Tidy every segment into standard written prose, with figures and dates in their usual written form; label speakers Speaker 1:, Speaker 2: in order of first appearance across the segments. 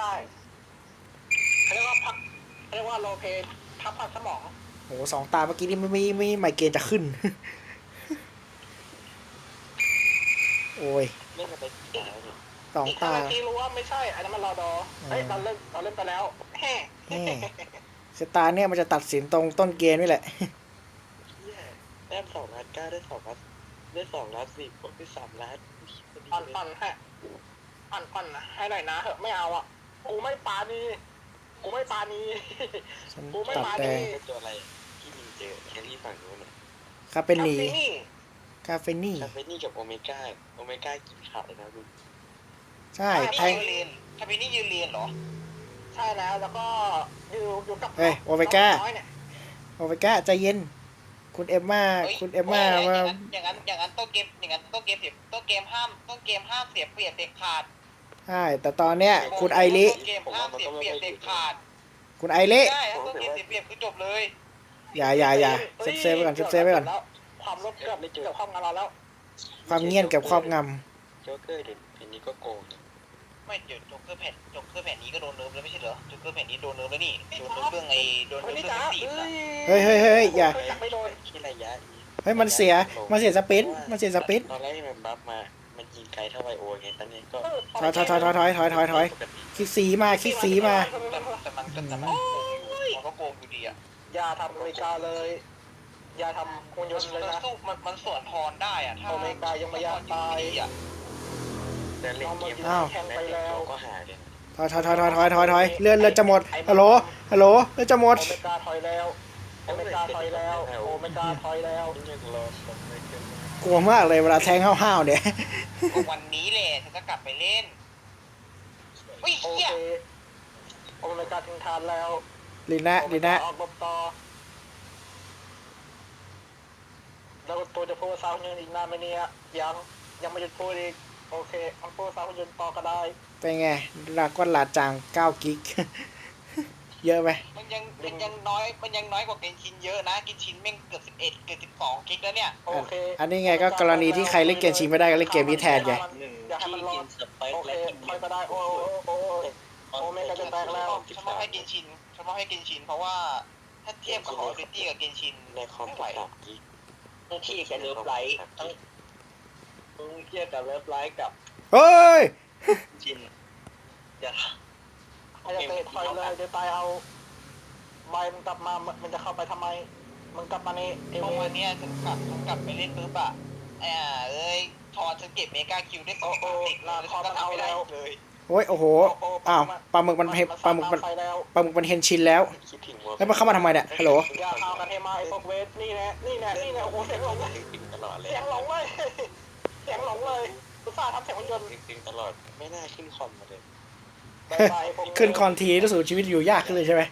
Speaker 1: ช่เขาเรียกว่าพักเขาเรียกว่าโลเพพักผ่อนสมอง
Speaker 2: โอ้สองตาเมื่อกี้นี่ไม่ไมเกรนจะขึ้น โอ้ย
Speaker 3: เล่นมาไปกี่ตาแล้วเนี่ย
Speaker 2: สอง
Speaker 1: อีก
Speaker 2: ตา
Speaker 1: 5 นาทีรู้ว่าไม่ใช่อันนั้นมันรอดอเฮ้ยเราเล่นไปแล้วแฮ่
Speaker 2: แหมสตาร์เนี่ยมันจะตัดสินตรงต้นเกมนี่แหละ
Speaker 3: เหี้ยแต้ม2 นัดกล้าได้2 นัดได้2 นัดสิบวกได้3 นัดพอดี
Speaker 1: ปั่น
Speaker 3: เลย
Speaker 1: ปั่นฮะปั่นนะให้หน่อยนะเหอะไม่เอาอ่ะกูไม่ปานีกูไม่ปานี
Speaker 2: ฉัน
Speaker 1: กูไม่
Speaker 2: ตัด
Speaker 1: มา
Speaker 2: แต่
Speaker 1: ดิ
Speaker 3: เป็นตัวอะไรที่มินเจอแครี่ฝั่งนู้นน่ะ
Speaker 2: คาเฟนี
Speaker 1: นี่
Speaker 2: คาเฟนี่
Speaker 3: คาเฟนี่กับโอเมก้ากินขาดเลยนะลูก
Speaker 2: ใช่แทง
Speaker 1: คาเฟนี่ยืนเรียนเหรอใช่แล้วก็อยู่กับ
Speaker 2: เฮ้ยโอเมก้า
Speaker 1: น้อยเนี่ย
Speaker 2: โอเมก้าใจเย็น คุณเอมมาคุณเอมมาว่า
Speaker 4: อย่างนั้นต้นเกมเสียต้นเกมห้ามเสียเปรียบเด็ดขาด
Speaker 2: ใช่แต่ตอนเนี้ยคุณไอริ
Speaker 4: ต้นเกมห้ามเสียเปรียบเด็ดขาด
Speaker 2: คุณไอริ
Speaker 4: ใช่ถ้าต้นเกมเสียเปรียบคือจบเลย
Speaker 2: อย่าเซฟไว้ก่อนเซฟไว้ก่อน
Speaker 1: ความลบเกือบห้องงานเราแล้ว
Speaker 2: ความเงียบกับครอบง
Speaker 3: โจ๊กเกอร์เด่นเพนนี้ก็โกงนะ
Speaker 4: ไม่เดี๋ยวโจ๊กเกอร์แผ่นนี้ก็โดนเนิร์ฟแล้วไม่ใช่เหรอโจ๊กเกอร์แผ่นนี้โดนเนิร์ฟแล้วนี่โดนเนิร์ฟเรื่องโดนเนิ
Speaker 1: วัน
Speaker 4: ร์ฟ
Speaker 1: นี้
Speaker 4: เรื่อ
Speaker 1: จ้าง
Speaker 4: สีนะ
Speaker 2: เฮ้ยอย่า
Speaker 1: ไม่โดน
Speaker 3: แค่ระยะนี้
Speaker 2: เฮ้ยมันเสียสปินมันเสียสปิน
Speaker 3: ตอนแรกที่มันบัฟมามันยิงไกลเท่าไวโอไงตอนนี้ก็
Speaker 2: ถอย
Speaker 3: ปกติ
Speaker 2: คิดสีมา
Speaker 4: แต่มันก็โกงอยู่ดีอ่ะ
Speaker 1: อย่าทำอเมริกาเลยอย่าทำหุ่นยนต์เลยนะ
Speaker 4: สู้มันสวนทอนได้อ่ะถ้า
Speaker 1: อเมริกายังไม่อยากตาย
Speaker 4: อ่ะ
Speaker 3: แต่เล่นเกม
Speaker 1: แข่งไปแล้ว
Speaker 3: ก็หาเลย
Speaker 2: ถอยเลื่อนจะหมดฮัลโหลเลื่อนจะหมด
Speaker 1: โอเมริกาถอยแล้วโอเมริกาถอยแล้วโอเมริกาถอยแล้ว
Speaker 3: ยังรอคนไม่เกิน
Speaker 2: กลัวมากเลยเวลาแทงห้าวๆเนี่ย
Speaker 4: วันนี้แหละฉันจะกลับไปเล่นอุ้ย
Speaker 1: โอ
Speaker 4: เฮีย
Speaker 1: เคโอเมริกาถึงทานแล้ว
Speaker 2: ลีน่า
Speaker 1: ออกบต่อแล้วตัวจะพูดสาวยืนอีกนานไหมเนี่ยยังไม่หยุดพูดอีกโอเคมันพูดสาวยืนต่อก็ได้
Speaker 2: เป็นไงดราก้อนลาจาง9กิก เยอะไหม
Speaker 4: มันยังน้อยกว่าเกนชินเยอะนะเกนชินแม่งเกือบ11เกือบ12กิกแล้วเนี่ย
Speaker 1: โอเค
Speaker 2: อันนี้ไงก็กรณีที่ใครเล่นเกมชิงไม่ได้ก็เล่นเกมนี้แทนไง
Speaker 1: อย่าให้มันรอดโอเคถอยก็ได้โอเมริกาจะแตกแล้ว
Speaker 4: ฉันมอบให้เกนชินเพราะว่าถ้าเทียบกับ Call of Duty กับเกนชิน
Speaker 3: ในคอม
Speaker 4: ไม่ไหว
Speaker 3: ต่างกี
Speaker 4: ต้องเทียบกับเลิฟไลท์ต้องเทียบกับเลิฟไลท์กับ
Speaker 2: เฮ้ย
Speaker 4: ชินอย่า
Speaker 1: ไอ้จะเตะถอยเลยเดี๋ยวตายเอาใบมันกลับมามันจะเข้าไปทำไมมันกลับมาในเอ
Speaker 4: เพ
Speaker 1: เว
Speaker 4: ราะ
Speaker 1: อ
Speaker 4: วัน
Speaker 1: ร์
Speaker 4: เนี้ยฉันกลับไปเล่นปุ๊บอะทอนฉันเก็บเมกาคิวได้2 ติดแล้วฉันก็ทำไม่ได้เลย
Speaker 2: โอ้ยโอ้โหอ้าวปลาหมึกมันเห็นชินแล้ว
Speaker 3: คิดถึง
Speaker 2: แล้วมันเข้ามาทำไมเนี่ยฮัลโหล
Speaker 1: อย่าพากันให้มาไอ้พวกเวทนี่แน่โอ้โหเสียงหลงเลย
Speaker 3: ตึงตลอดเลย
Speaker 1: เสียงหลงเลยเสียงหลงเลยอุตส่าห์ทำเสียงหุ่นยนต์
Speaker 3: ตึงตลอดไม่น่าขึ้นคอมมาเลย
Speaker 2: ขึ้นคอนทีรู้สึกชีวิตอยู่ยากขึ้นเลยใช่ไหม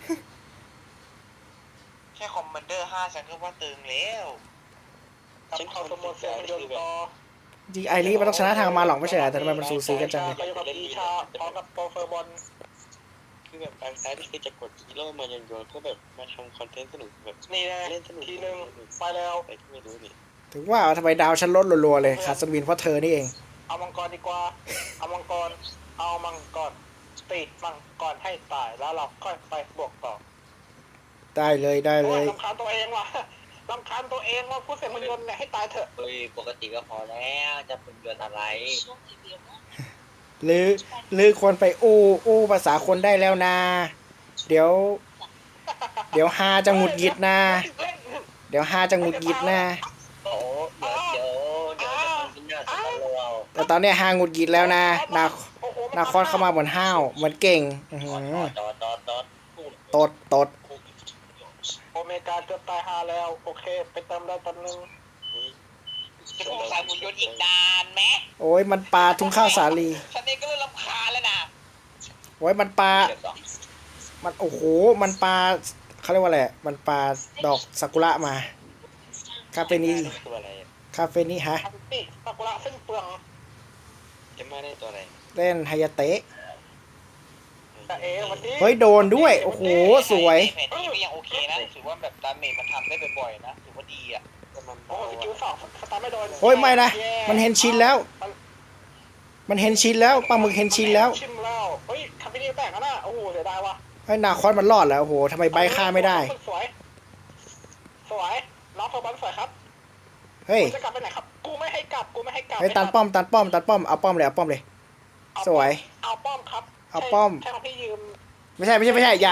Speaker 4: แค่คอมมานเดอร์5ฉันก็ว่าตึงแล้ว
Speaker 1: ฉันเข้าสมุดเสียงหุ่นยนต์ต่อ
Speaker 2: จริงไอรีมันต้องชนะทางมาหลอกไม่ใช่เหรอแต่ทำไมมันสูสีกันจังเลย
Speaker 1: ก็อยู่กับอีชาพร้อมกับโปรเฟอร์บอล
Speaker 3: คือแบบบางครั้งที่คือจะกดฮีโร่มาโยนก็แบบมาทำคอนเทนต์สนุกแบบ
Speaker 1: นี่แน่
Speaker 3: เล่นสนุก
Speaker 1: ทีหนึ่งไปแล้ว
Speaker 3: อะไรที่ไม่รู้นี่
Speaker 2: ถึงว่าทำไมดาวฉันลดรัวๆเลยขาดสวินเพราะเธอนี่เอง
Speaker 1: เอามังกรดีกว่าเอามังกรตีมังกรให้ตายแล้วเราค่อยไปบวกต่อ
Speaker 2: ได้เลย
Speaker 1: โอ้ยรำคาญตัวเองว่ะรำคาญตัวเองว่าพูดเสียงหุ่นยนต์เนี่ยให้ตายเถอะ
Speaker 4: เฮ้ยปกติก็พอแล้วจะเป็นเดือนอะไร
Speaker 2: หรือควรไปอู้ภาษาคนได้แล้วนะเดี๋ยวฮาจะหงุดหงิดนะเดี๋ยวฮาจะหงุดหงิดนะ
Speaker 4: โอ้เดี๋ยวจะทำกินหน้าสตาร์โลเอา
Speaker 2: แต่ตอนเนี้ยฮาหงุดหงิดแล้วนะนาคอสเข้ามาเหมือนห้าวเหมือนเก่ง
Speaker 4: ดอด
Speaker 2: ตด
Speaker 1: โอเมก้าเกือบตายหาแล้วโอเคไปเติมได้ตอนนึง
Speaker 4: จะพูดสายบุญยนต์อีกนานไหม
Speaker 2: โอ้ยมันปลาทุ่งข้าวสาลี
Speaker 4: ฉันเองก็เริ่มรำคาญแล้วนะ
Speaker 2: โอ้ยมันปลามันโอ้โหมันปลาเขาเรียกว่าอะไรมันปลาดอกซากุระมาคาเฟนี่
Speaker 3: ตัวอะไร
Speaker 2: คาเฟนี่ฮะ
Speaker 1: อันตี้ซากุระซึ่งเปลือง
Speaker 3: จะมาได้ตัวอะไร
Speaker 2: เล่นไฮยาเตะ
Speaker 1: แต่วันนี้
Speaker 2: เฮ้ยโดนด้วยโอ้โหสวย
Speaker 4: แผนนี้ก็ยังโอเคนะถือว่าแบบดาเมจมันทำได้บ่อยๆนะถือว่าดีอ่ะ
Speaker 3: แต่มัน
Speaker 1: โอ้สกิลสองสตาร์ไม่โดน
Speaker 2: โอ้ยไม่นะมันเห็นชินแล้วปลาหมึกเห็นชินแล้ว
Speaker 1: ชิมแล้วเฮ้ยคาเฟนี่แตกแล้วน่ะโอ้โหเสียดายว่ะ
Speaker 2: ไอ้นาคอสมันรอดแล้วโอ้โหทำไมใบฆ่าไม่ได้
Speaker 1: สวยสวยน้องโทบันสวยครับ
Speaker 2: เฮ้ย
Speaker 1: จะกลับไปไหนครับกูไม่ให้กลับ
Speaker 2: เฮ้ยตันป้อมเอาป้อมเลย สวย
Speaker 1: เอาป้อมครับ
Speaker 2: เอาป้อม
Speaker 1: ใช่ของพี่ยืม
Speaker 2: ไม่ใช่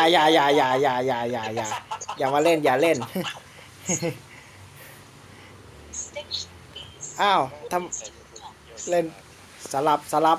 Speaker 2: อย่ามาเล่นอย่าเล่น อ้าวทำเล่นสลับ
Speaker 1: สา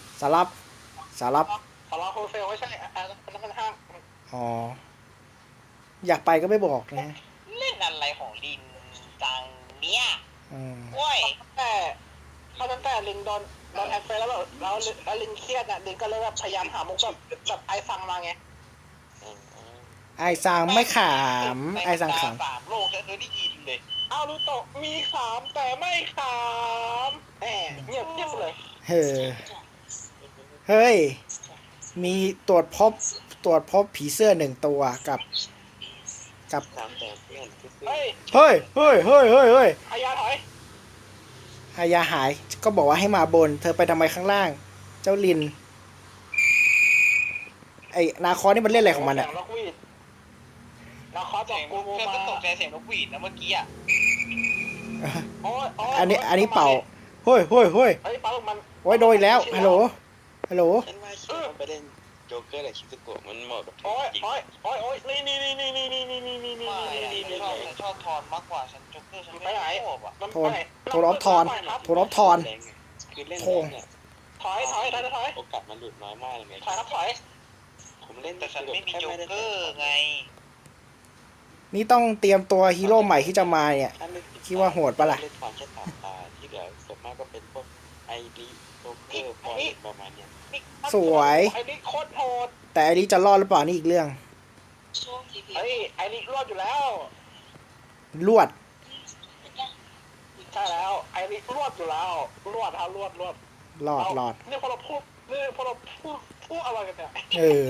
Speaker 1: ราโฮเซลไม่ใช่อันนั้นมันห้าง
Speaker 2: อ๋ออยากไปก็ไม่บอกนะ
Speaker 4: เล่นอะไรของลินจังเนี่ย
Speaker 2: อืม
Speaker 4: โอ้ย
Speaker 1: แต่เขาตั้งแต่ลิงโดนแอคเฟแล้วแบบแล้วลิงเครียดอ่ะลิงก็เลยแบบพยายามหามุกแบบไอฟังมาไง
Speaker 2: ไอ้สังไม่ขามไอ้สังขาม
Speaker 4: สามโลกฉันเคยได้ยินเลย
Speaker 1: เอาลูโตะมีขามแต่ไม่ขามแหมเงียบเลย
Speaker 2: เฮ้ยมีตรวจพบผีเสื้อหนึ่งตัวกับ
Speaker 3: ตามแต่เพื่อนคือ
Speaker 1: เฮ้ย
Speaker 2: เฮ้ย
Speaker 1: พยาถอย
Speaker 2: ฮายาหายก็บอกว่าให้มาบน เธอไปทำไมข้างล่าง เจ้าลิน ไอ้นาคอนี่มันเล่นอะไรของมันอะ
Speaker 1: เสียงนกหวีดนาคอสบ
Speaker 4: เสี
Speaker 1: อก
Speaker 4: ยง
Speaker 1: กูโม
Speaker 4: เพื่อน
Speaker 1: มา
Speaker 4: ก็ตกใจเสียงนกหวีดนะเมื่อกี้อ่ะ
Speaker 1: โอ้ย
Speaker 2: อันนี้เป่าเฮ้ย
Speaker 1: เฮ้ยเป่ามัน
Speaker 2: โอ้ยโดนอีกแล้วฮัลโหล
Speaker 3: ฉันว่าคิดว่าไปเล่นโจ๊กเกอร์หรือคิสโกะมันเหมาะกับเธอ
Speaker 1: โอ้ย
Speaker 3: จริง
Speaker 1: โอ้ยนี่
Speaker 4: ไม่ฉันชอบทอนมากกว่าฉันจ็อกเกอร์ฉันไม่ชอบอ่ะ
Speaker 1: มัน
Speaker 2: โทรออฟทอน
Speaker 3: คือเล่นเนี่ย
Speaker 1: ถอย
Speaker 3: โอกาสมันหลุดน้อยมากเลยไง
Speaker 1: ถอยครับถอย
Speaker 3: ผมเล่น
Speaker 4: แต่ฉันไม่มีจ็อกเกอร์ไง
Speaker 2: นี่ต้องเตรียมตัวฮีโร่ใหม่ที่จะมาเนี่ย คิดว่าโหดปะล่ะ
Speaker 3: เล่นความแค่ตาตาที่เหลือส่วนมากก็เป็นพวกไอรีโจ๊กเกอร์พอลประมาณเนี้ย
Speaker 2: สวย
Speaker 1: ไอ้นี่โคตรโหด
Speaker 2: แต่อันนี้จะรอดหรือเปล่านี่อีกเรื่อง
Speaker 1: เฮ้ยไอ้นี่รอดอยู่แล้ว
Speaker 2: ลวด
Speaker 1: ใช่แล้วไอ้นี่รอดอยู่แล้วรอด
Speaker 2: รอด
Speaker 1: นี่พอเราพูดอะไรกันเนี่ย
Speaker 2: เออ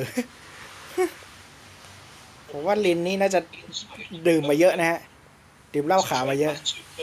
Speaker 2: ผมว่าลินนี่น่าจะดื่มมาเยอะนะฮะ ดื่มเหล้าขาวมาเยอะ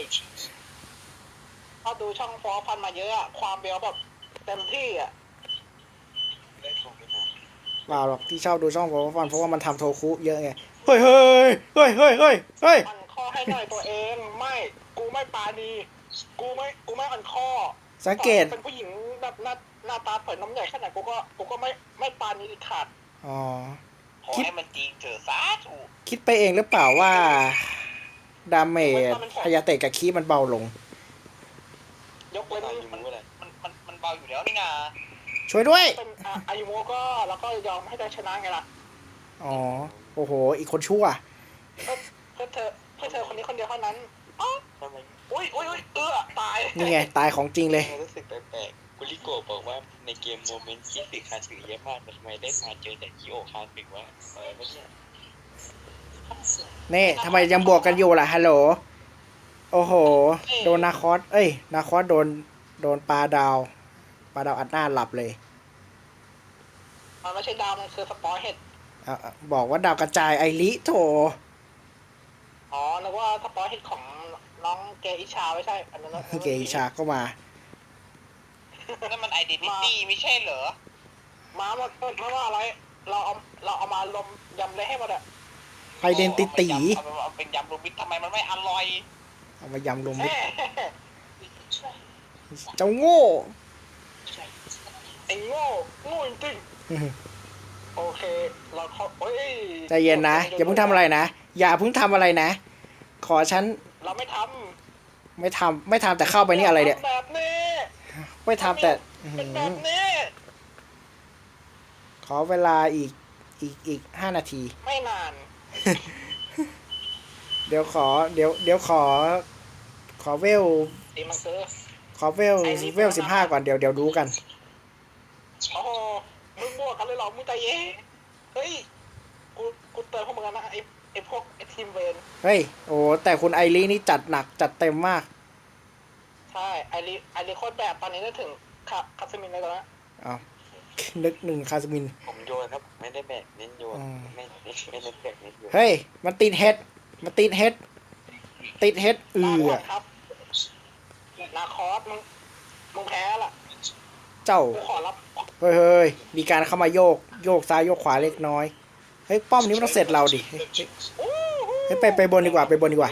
Speaker 1: ถ้าดูช่องฟอร์พันมาเยอะอะความเบลแบบเต็มที่อะ
Speaker 3: ได้ทองไม่นาน
Speaker 2: เปล่าหรอกที่ชอบดูช่องผมฟันเพราะว่ามันทำโทคุเยอะไง เฮ้ย
Speaker 1: อ่อนข้อให้หน่อยตัวเองไม่กูไม่ปาดีกูไม่อ่อนข้อ
Speaker 2: สังเกต
Speaker 1: เป็นผู้หญิงแบบหน้าตาเปิดน้ำใหญ่ขนาดกูก็ไม่ปานี้ขาด
Speaker 2: อ๋อ
Speaker 4: ขอให้มันจริงเถอะสาธุ
Speaker 2: คิดไปเองหรือเปล่าว่า ดาเมจพยาเตะกับคีมันเบาลง
Speaker 1: ยกเว้น
Speaker 3: ตายอยู่
Speaker 1: มัน
Speaker 3: รู้อะไร
Speaker 4: มันเบาอยู่แล้วนี่นา
Speaker 2: ช่วยด้วย
Speaker 1: เป็นอายุโมก็แล้วก็ยอมให้ได้ชนะไงล่ะ
Speaker 2: อ๋อ โอ้โห อีกคนชั่ว
Speaker 1: เพื่อเธอคนนี้คนเดียวเท่านั้นอ๋อ
Speaker 3: ทำไม
Speaker 1: อุ้ยตาย
Speaker 2: นี่ไง ตายของจริงเลย
Speaker 3: รู้สึกแปลกๆกุลิโกะบอกว่าในเกมโมเมนต์ที่สึกคาสึเยอะมากแต่ทำไมเล่นมาเจอแต่คิโอคาสึว่าไม่ใช่
Speaker 2: นี่ทำไมยังบวกกันอยู่ล่ะ ฮัลโหล โอ้โห โดนนาคอส นาคอสโดนปลาดาวอัดหน้าหลับเลย
Speaker 1: มันไม่ใช่ดาวมันคือสปอร์เห็ด
Speaker 2: บอกว่าดาวกระจายไอริโถ
Speaker 1: อ๋อนึกว่าสปอร์เห็ดของน้องเกอิชาไม่ใช่อันนั้น
Speaker 2: เกอิชาก็มา
Speaker 4: นั่นมันไอเดนติตี้ไม่ใช่เหรอ
Speaker 1: มาหมดไม่ว่าอะไรเราเอามารวมยำเลยให้หมดอะ
Speaker 2: ไอเดนติตี
Speaker 4: เอาเป็นยำรวมมิตรทำไมมันไม่อร่อย
Speaker 2: เอามายำรวมมิตร
Speaker 1: แม่
Speaker 2: เจ้าโง่
Speaker 1: ไอ้โง่จริงๆโอเคเราเขาเฮ้ย
Speaker 2: ใจเย็นนะ อย่าเพิ่งทำอะไรนะ อย่าเพิ่งทำอะไรนะ ขอฉัน
Speaker 1: เราไม่ท
Speaker 2: ไม่ทำแต่เข้า
Speaker 1: ำ
Speaker 2: ไปนี่อะไรเนี่ย
Speaker 1: แบบนี้
Speaker 2: ไม่ทำแต่
Speaker 1: เป็นแบบนี้
Speaker 2: ขอเวลาอีก5 นาที
Speaker 1: ไม่นาน
Speaker 2: เดี๋ยวขอเวล
Speaker 1: ดีมันคือ
Speaker 2: ขอเวล15ก่อนเดี๋ยวดูกัน
Speaker 1: โอ้โหมึงบวกกันเลยเหรอมึงใจเย็นเฮ้ยกูเตือนพวกมึงแล้วนะไอ้พวกไอ้ทีมเวน
Speaker 2: เฮ้ย โอ้แต่คุณไอรีนี่จัดหนักจัดเต็มมาก
Speaker 1: ใช่ไอริโคตรแบบตอนนี้ได้ถึงคาสมินเลยแล้วนะ
Speaker 2: อ้าวนึกหนึ่งคาสมิน
Speaker 3: ผมโยนครับไม่ได้แบกเน้นโยนไม่เน้นแบกเน้นโยน
Speaker 2: เฮ้ย มันติดเฮดติดเฮด
Speaker 1: ครับนาคอสมึงแพ้ละ
Speaker 2: เจ้า
Speaker 1: กูขอรับ
Speaker 2: เเฮ้ยมีการเข้ามาโยกซ้ายโยกขวาเล็กน้อยเฮ้ยป้อมนี้มันต้องเสร็จเราดิเฮ้ยไปบนดีกว่าไปบนดีกว่า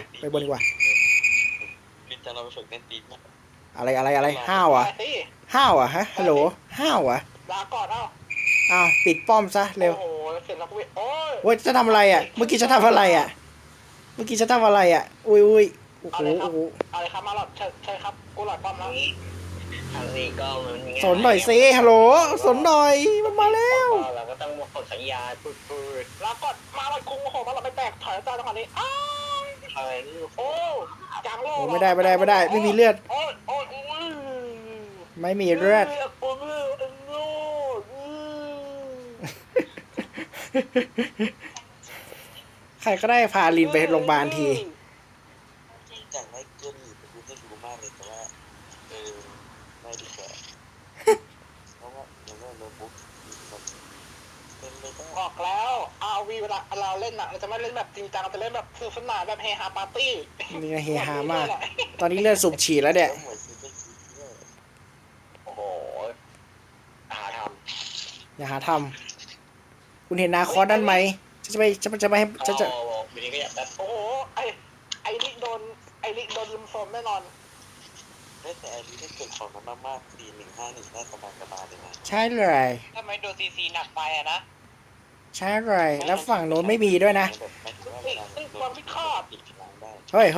Speaker 3: ลินจะเราไปฝึกเล่นตีนมั้ย
Speaker 2: อะไรห้าวอ่ะ
Speaker 1: ไปสิ
Speaker 2: ห้าวอ่ะฮะฮัลโหลห้าวอ่ะ
Speaker 1: ลาก่อนเอ้า
Speaker 2: อ้าวปิดป้อมซะเร็ว
Speaker 1: โอ้โหเสร็จแล้วกูโอ้ย
Speaker 2: เว้ยจะทำอะไรอ่ะเมื่อกี้จะทำอะไรอ่ะอุ้ยโอ้โห
Speaker 1: อะไรครับมาหลอดใช่ครับกูหลอดป้อมแล้ว
Speaker 4: อันนี้ก็มันง่าย
Speaker 2: สนหน่อยสิฮัลโหลสนหน่อยมันมาแล้ว
Speaker 4: เราก็ต้องกดสัญญาณพูด
Speaker 1: ลาก่อนมาหลอดกุ้งโอ้โหมาหลอดไม่แตกถอยจ้าจังหวะนี้อ้าว
Speaker 4: อะไรนี่
Speaker 1: โอ้จางโล
Speaker 2: โอ้ไม่ได้ไม่มีเลือด
Speaker 1: โอ้ย
Speaker 2: ไม่มีเลือด
Speaker 1: โอ้ยโอ้ย
Speaker 2: ใครก็ได้พาลินไปโรงพยาบาลที
Speaker 3: จากไล่เกมหนีไปดูให้รู้มากเลยแต่ว่าไม่ดีกว่าเพราะว่าโน้ตบุ๊กเป็นไม่ได้
Speaker 1: บอกแล้วRVเวลาเราเล่นอ่ะเราจะไม่เล่นแบบจริงจังเราจะเล่นแบบสนุกสนานแบบเฮฮาปาร์ตี้
Speaker 2: นี่ไงเฮฮามาก ตอนนี้เลือดสูบฉีดแล้วเนี่ย
Speaker 3: เหมือนซีเป็นซีเนี่ย
Speaker 4: โอ้โหหาท
Speaker 2: อย่าหาทำคุณเห็นนาคอสนั่นไหมจะไม่ให้
Speaker 4: ำ
Speaker 2: จะ
Speaker 4: วินี้ก็อยากได้
Speaker 1: โอ้โหไอลิโดนลุมโซมแน่นอน
Speaker 3: แต่อันนี้ได้เกิดของมันมากๆ4151ได้สบายเลยนะ
Speaker 2: ใช่เลย
Speaker 4: ถ้าไม่โดนซีหนักไปอะนะ
Speaker 2: ใช่เลยแล้วฝั่งโน้นไม่มีด้วยนะ เฮ้ย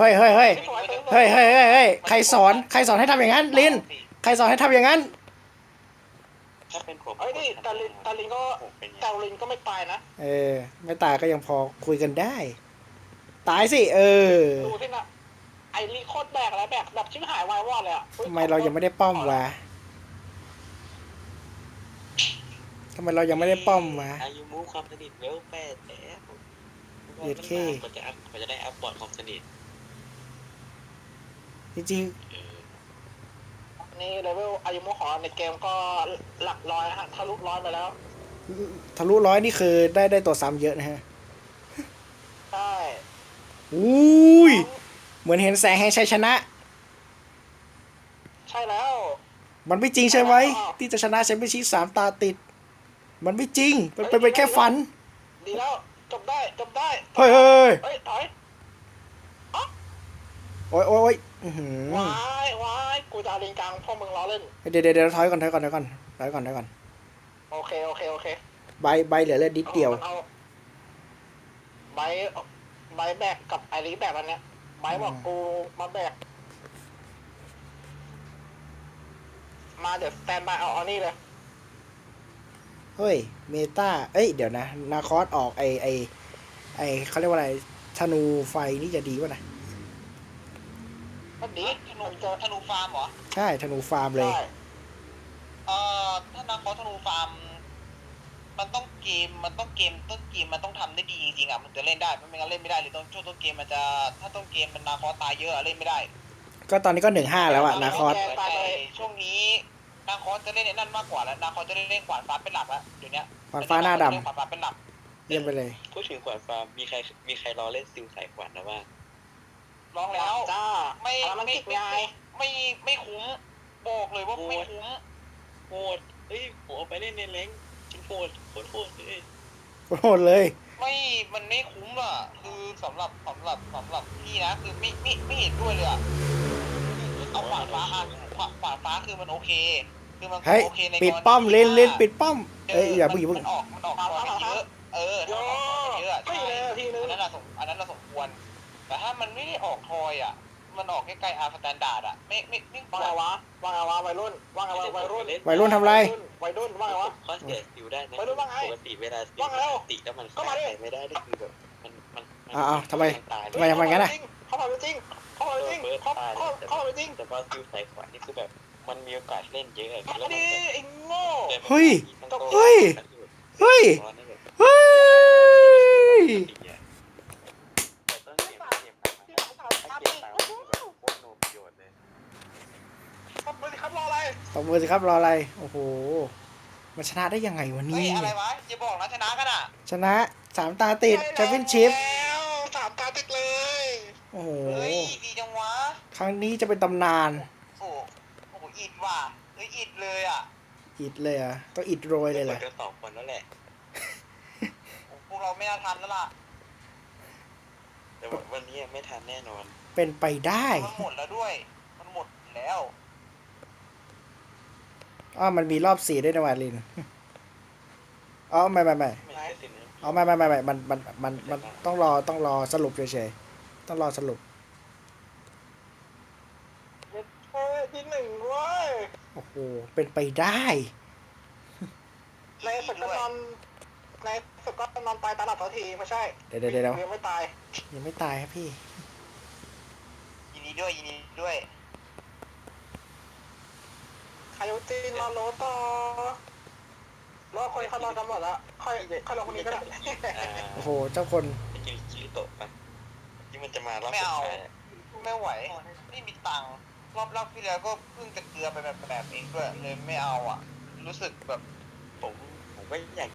Speaker 2: ใครสอนให้ทำอย่างนั้นลินใครสอนให้ทำอย่างนั้น
Speaker 3: ถ้าเป็นผม
Speaker 1: เอ้ยนี่ตาลินก็ไม่ตายนะ
Speaker 2: ไม่ตายก็ยังพอคุยกันได้ ตายสิ
Speaker 1: ดูที่น่ะไอลิโคตรแบกแล้วแบกแบบชิบหายวายวอดเลยอ่ะ
Speaker 2: ทำไมเรายังไม่ได้ป้อมวะทำไมเรายังไม่ได้ป้อมวะ
Speaker 3: อายุมูความสนิทเวล8แล้ว
Speaker 2: เย็ดเข้
Speaker 3: กว่าจะได้อัพบอร์ดความสนิท
Speaker 2: จริง
Speaker 1: นี่เลเวลอายุโมหอในเกมก็หลักร้อยฮะทะลุร้อยไปแล้ว
Speaker 2: ๆทะลุร้อยนี่คือได้ตัวซ้ำเยอะนะฮะ
Speaker 1: ใช่
Speaker 2: อุ้ยเหมือนเห็นแสงแห่งชัยชนะ
Speaker 1: ใช่แล้ว
Speaker 2: มันไม่จริงใช่ไหมที่จะชนะแชมเปี้ยนชิพ3 ตาติด มันไม่จริงมันเป็นแค่ฝัน
Speaker 1: ดีแล้วจบได้
Speaker 2: เฮ้ย
Speaker 1: เฮ้ยถอย
Speaker 2: โอ้ยอื้อหือ
Speaker 1: วายกูจะเอาลิงกลางพวกมึงล้อเล่น
Speaker 2: เดี๋ยวถอยก่อน
Speaker 1: โอเค
Speaker 2: ใบเหลือเลือดนิดเดียว
Speaker 1: อาใบแบกกับไอริแบกอันเนี้ยใบบอกกูมาแบกมาเดี๋ยวสแตนบายเอานี่เลย
Speaker 2: เฮ้ยเมตาเดี๋ยวนะนาคอสออกไอเขาเรียกว่าอะไรธนูไฟนี่จะดีป่ะนะ
Speaker 1: ก็ดี
Speaker 4: ธนูฟาร์มเหรอ
Speaker 2: ใช่ธนูฟาร์มเลย
Speaker 1: ใช่
Speaker 4: ถ้านักคอธนูฟาร์มมันต้องเกมต้นเกมมันต้องทำได้ดีจริงๆอ่ะมันจะเล่นได้ไม่งั้นเล่นไม่ได้เลยช่วงต้นเกมมันจะถ้าต้นเกมมันนาคอตายเยอะเล่นไม่ได้
Speaker 2: ก็ตอนนี้ก็1-5แล้วอะนาคอส
Speaker 4: แต่ช่วงนี้นาคอจะเล่นในนั่นมากกว่าแล้วนาคอจะเล่นขวานฟ้าเป็นหลักแล้วเดี๋ยวนี้
Speaker 2: ขวานฟ้าหน้าดำ
Speaker 4: ขวานฟ้าเป็นหลัก
Speaker 2: เยี่ยมไปเลย
Speaker 3: พูดถึงขวานฟาร์มมีใครรอเล่นซิลสายขวานนะว่า
Speaker 4: ลองแล้ว
Speaker 1: จ้า
Speaker 4: ไม่
Speaker 1: มันติดไง
Speaker 4: ไม่คุ้มบอกเลยว่าไม่คุ้ม
Speaker 3: โหดผมเอาไปเล่นในแรงชิ้นโหดเลย
Speaker 2: โหดเลย
Speaker 4: มันไม่คุ้มอ่ะคือสำหรับพี่นะคือไม่เห็นด้วยเลยอ่ะเอาขวานฟ้าขวานฟ้าคือมันโอเคคือมัน
Speaker 2: เฮ้ย
Speaker 4: โอเคใน
Speaker 2: ปิดป้อมเล่นปิดป้อมอย่าเพิ่ง
Speaker 4: มันออกคอยเยอะถ้าออกคอยเยอะใช่อันนั้นเราสมควรแต่ถ้ามันไม่ได้ออกคอยอ่ะมันออกใกล้ๆอาร์สแตนดาร์ดอ่ะไม่คว
Speaker 1: ว่าร ไงวะวัยรุ่นว่าไงวะวัยรุ่น
Speaker 2: วัยรุ่นทำไร
Speaker 1: วัยรุ่นว่าไงวะ
Speaker 3: ข้อเสียซิลได้นะปกติเวลาซิลติแล้วมันฆ่าใครไม่ได้นี่คือแบบมัน
Speaker 2: ทำไม
Speaker 3: ตาย
Speaker 2: ทำไมงั้นน่ะ
Speaker 1: เข้ามาจริงเข้ามาจริง
Speaker 3: แต่ว่าซิลสายขวานนี่คือแบบมันมีโอกาสเล่นเยอะ
Speaker 1: มาดิไอ้โง่
Speaker 2: เฮ้ย เฮ้ย
Speaker 1: ทำไปสิครับรออะไร
Speaker 2: ตบมือสิครับรออะไรโอ้โหมันชนะได้ยังไงวะ
Speaker 4: เฮ้ย
Speaker 2: นี่
Speaker 4: อะไรวะอย่าบอกนะชนะกันอ่ะ
Speaker 2: ชนะ3 ตาติดแชมเปี้ยนชิพ
Speaker 1: แล้ว3 ตาติดเลย
Speaker 2: โอ้โห
Speaker 4: เฮ้ยดีจังวะ
Speaker 2: ครั้งนี้จะเป็นตำนาน
Speaker 4: โอ้โหอิดว่ะอิดเลยอ่ะ
Speaker 2: อิดเลยเหรอ่ะต้องอิดโรยเลยเหรอ
Speaker 3: จะตอบคนแล้วแหละ
Speaker 4: พวกเราไม่น่าทันแล้วล่ะ
Speaker 3: แต่วันนี้ไม่ทันแน่นอน
Speaker 2: เป็นไปได้
Speaker 4: มันหมดแล้วด้วย มันหมดแล้ว
Speaker 2: อ๋อมันมีรอบ4ด้วยนะวาลินอ๋อไม่
Speaker 3: ไม่ใช่สินะ
Speaker 2: อ๋อไม่มันต้องรอสรุปเฉยๆต้องรอสรุป
Speaker 1: เฮ้ยที่หนึ่งเว้ย
Speaker 2: โอ้โหเป็นไปได้
Speaker 1: ในสุดก็นอนในสุดก็นอนตายตาหลับทันทีไม่ใช่
Speaker 2: เดี๋ยว
Speaker 1: ยังไม่ตาย
Speaker 2: ยังไม่ตายครับพี่
Speaker 4: ยินดีด้วยยินดีด้วย
Speaker 1: คายุจินรอโรต่อรอคนเขานอนกันหมดแล้วค่อยรอคนนี้ก็ได้
Speaker 2: โอ้โหเจ้าคน
Speaker 3: ไปกินคิริโตะปะที่มันจะมารอบ
Speaker 4: ไม่
Speaker 3: สุด
Speaker 4: เอา
Speaker 3: ท้ายอะ
Speaker 4: ไม่ไหว ไม่มีตังค์รอบที่แล้วก็เพิ่งจะเกลือไปแบบเองด้วยเลยไม่เอาอ่ะ รู้สึกแบบ
Speaker 3: ผมก็อยาก